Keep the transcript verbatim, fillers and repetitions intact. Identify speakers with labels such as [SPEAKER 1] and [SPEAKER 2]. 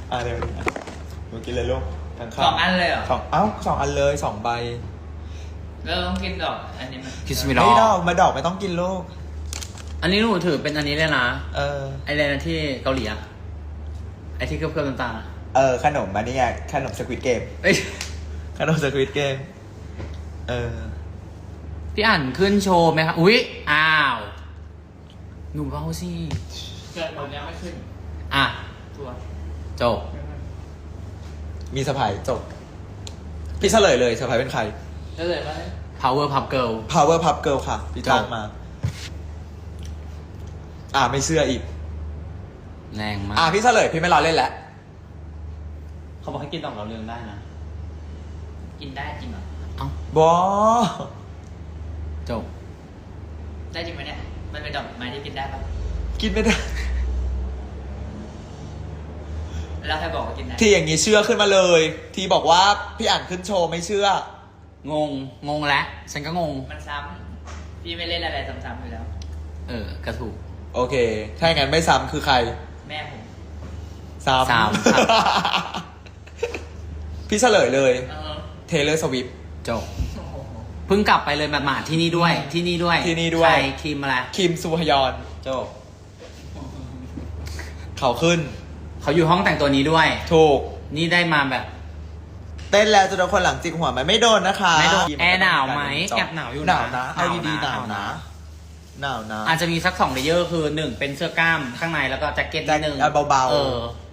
[SPEAKER 1] อ่ะเดี๋ยวหนูกินเลยลูกทั้งข้าว
[SPEAKER 2] สองอันเลยเหรอ
[SPEAKER 1] สองเอ้าสองอันเลยสองใบ
[SPEAKER 2] แล้วต้องกินดอกอันนี้มัน
[SPEAKER 3] คิสมิล
[SPEAKER 1] ไม่ดอกมาดอกไม่ต้องกินลูก
[SPEAKER 3] อันนี้หนูถือเป็นอันนี้เลยนะ
[SPEAKER 1] เออ
[SPEAKER 3] ไอเรนที่เกาหลีอะไอที่เคลือบๆน้ำตาลอะ
[SPEAKER 1] เออขนมมานี่ไงขนมสควิตเกม
[SPEAKER 3] เอ้ย
[SPEAKER 1] ขนมสควิตเกมเออ
[SPEAKER 3] พี่อ่านขึ้นโชว์ไหมครับอุ๊ยอ้าวหนูเบาสิ
[SPEAKER 2] เกิดหมดยังไม่ขึ้น
[SPEAKER 3] อ่ะ
[SPEAKER 2] ตัว
[SPEAKER 3] จบ
[SPEAKER 1] มีสะพายจบพี่เฉลยเลยสะพายเป็นใคร
[SPEAKER 2] ก็เลยว่า
[SPEAKER 3] power pop girl
[SPEAKER 1] Power Pup Girl ค่ะพี่จ้าง
[SPEAKER 3] จบ
[SPEAKER 1] มา อ่าไม่เชื่ออีก
[SPEAKER 3] แรงมาก
[SPEAKER 1] อ่าพี่เฉลยพี่ไม่รอเล่นแล้ว
[SPEAKER 3] เขาบอกให้กินดอกเราวเรืองได้นะ
[SPEAKER 2] กินได้จริงเหรอ
[SPEAKER 3] เอ้า
[SPEAKER 1] บอ
[SPEAKER 3] จบ
[SPEAKER 2] ได้จริงไหมเนี่ยมันเป็นดอกไม้ที่กินได้ปะ
[SPEAKER 1] กินไม่ได้
[SPEAKER 2] แล้วใครบอกว่ากินได้
[SPEAKER 1] ที่อย่างนี้เชื่อขึ้นมาเลย ที่บอกว่าพี่อ่านขึ้นโชว์ไม่เชื่อ
[SPEAKER 3] งง งงแล้ว ฉันก็งง
[SPEAKER 2] มันซ้ำพี่ไม่เล่นอะไรซ้ำๆอยู่แล้ว
[SPEAKER 3] เออกระถูก
[SPEAKER 1] โอเค ถ้าอย่างนั้นไม่ซ้ำคือใคร
[SPEAKER 2] แม่ผม
[SPEAKER 1] ซ้ำ
[SPEAKER 3] ซ้ำครับ
[SPEAKER 1] พี่เฉลยเลย
[SPEAKER 2] เออ
[SPEAKER 1] เทเลอร์สวิฟ
[SPEAKER 3] จบ
[SPEAKER 2] โอ้โห
[SPEAKER 3] เพิ่งกลับไปเลยแบบหมาดๆที่นี่ด้วย ที่นี่ด้วย
[SPEAKER 1] ที่นี่ด้วย
[SPEAKER 3] ใครครีมอะไร
[SPEAKER 1] คิมซูฮยอน
[SPEAKER 3] จบ
[SPEAKER 1] เขาขึ้น
[SPEAKER 3] เขาอยู่ห้องแต่งตัวนี้ด้วย
[SPEAKER 1] ถูก
[SPEAKER 3] นี่ได้มาแบบ
[SPEAKER 1] เต้นแล้วจนโดนคนหลังจิกหัวไหมไม่โดนนะคะ
[SPEAKER 3] ไม่โดนแอร์หนาวไหมแอบหนาวอยู่นะ
[SPEAKER 1] หนาวนะเอาดีๆห
[SPEAKER 3] ห
[SPEAKER 1] นาน
[SPEAKER 3] าว ว
[SPEAKER 1] นะ
[SPEAKER 3] นะ
[SPEAKER 1] หนาวนะ
[SPEAKER 3] อาจจะมีสักสองเลเยอร์คือหนึ่งเป็นเสื้อกล้ามข้างในแล้วก็แจ็คเก็ตนิดนึง
[SPEAKER 1] แจ็คเก็ตเบาๆ
[SPEAKER 3] เออ